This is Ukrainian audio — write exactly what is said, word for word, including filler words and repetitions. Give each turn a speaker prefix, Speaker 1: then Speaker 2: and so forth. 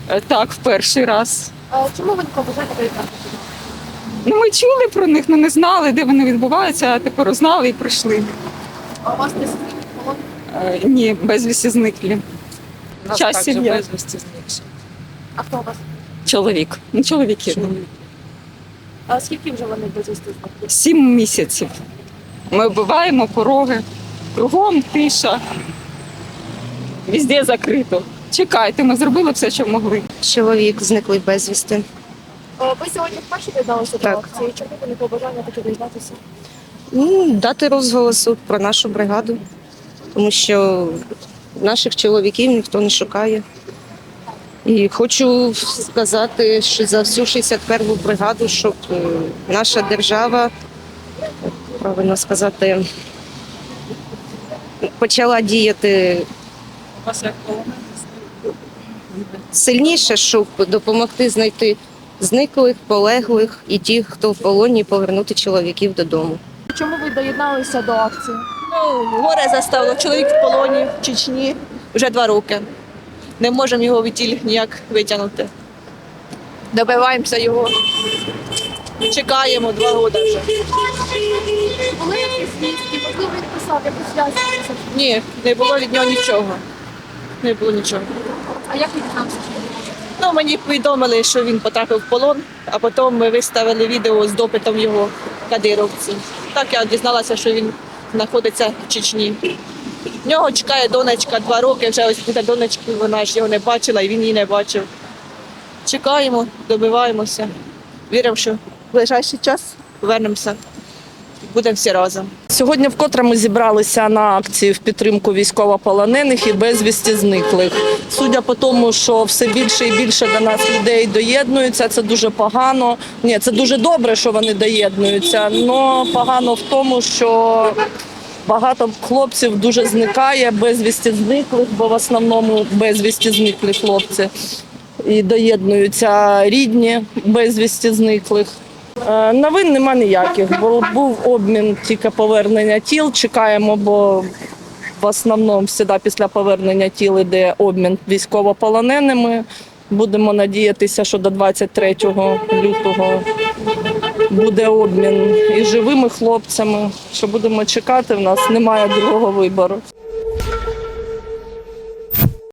Speaker 1: Е, Так, в перший раз.
Speaker 2: А чому ви не побажаєте приєднатися?
Speaker 1: Ну, ми чули про них, але не знали, де вони відбуваються, а тепер узнали і прийшли.
Speaker 2: А у вас не сидить полон?
Speaker 1: Е, Ні, безвісті зниклі.
Speaker 3: Нас
Speaker 1: Час
Speaker 3: також
Speaker 1: сім'я.
Speaker 3: безвісті зникші.
Speaker 2: А хто у вас?
Speaker 1: Чоловік. Ну, чоловіки.
Speaker 2: А скільки вже вони безвісти зникли?
Speaker 1: Сім місяців. Ми вбиваємо пороги. Кругом тиша. Везде закрито. Чекайте, ми зробили все, що могли.
Speaker 4: Чоловік зниклий безвісти.
Speaker 2: А ви сьогодні вперше доєдналися до
Speaker 4: Так.
Speaker 2: акції? Чому ви не побажання таке доєднатися?
Speaker 4: Ну, дати розголосу про нашу бригаду, тому що наших чоловіків ніхто не шукає. І хочу сказати, що за всю шістдесят першу бригаду, щоб е, наша держава, правильно сказати, почала діяти
Speaker 3: У вас як полонений?
Speaker 4: сильніше, щоб допомогти знайти зниклих, полеглих і тих, хто в полоні, повернути чоловіків додому.
Speaker 2: Чому ви доєдналися до акції?
Speaker 5: Ну, горе заставило. Чоловік в полоні в Чечні вже два роки. Не можемо його відтіль ніяк витягнути. Добиваємося його. Чекаємо два роки вже.
Speaker 2: Були якісь звістки? Можливо, він писав якусь зв'язку?
Speaker 5: Ні, не було від нього нічого. Не було нічого.
Speaker 2: А як він дізнався?
Speaker 5: Ну, мені повідомили, що він потрапив в полон, а потім ми виставили відео з допитом його кадировці. Так я дізналася, що він знаходиться в Чечні. В нього чекає донечка два роки, вже ось буде донечки, вона ж його не бачила і він її не бачив. Чекаємо, добиваємося. Віримо, що в ближайший час повернемося, будемо всі разом.
Speaker 6: Сьогодні вкотре ми зібралися на акції в підтримку військовополонених і безвісті зниклих. Судя по тому, що все більше і більше до нас людей доєднуються, це дуже погано. Ні, це дуже добре, що вони доєднуються, але погано в тому, що багато хлопців дуже зникає, безвісті зниклих, бо в основному безвісті зниклі хлопці. І доєднуються рідні безвісті зниклих. Е, Новин нема ніяких, бо був обмін тільки повернення тіл. Чекаємо, бо в основному завжди після повернення тіл йде обмін військовополоненими. Будемо надіятися, що до двадцять третього лютого буде обмін і живими хлопцями. Що будемо чекати, в нас немає другого вибору.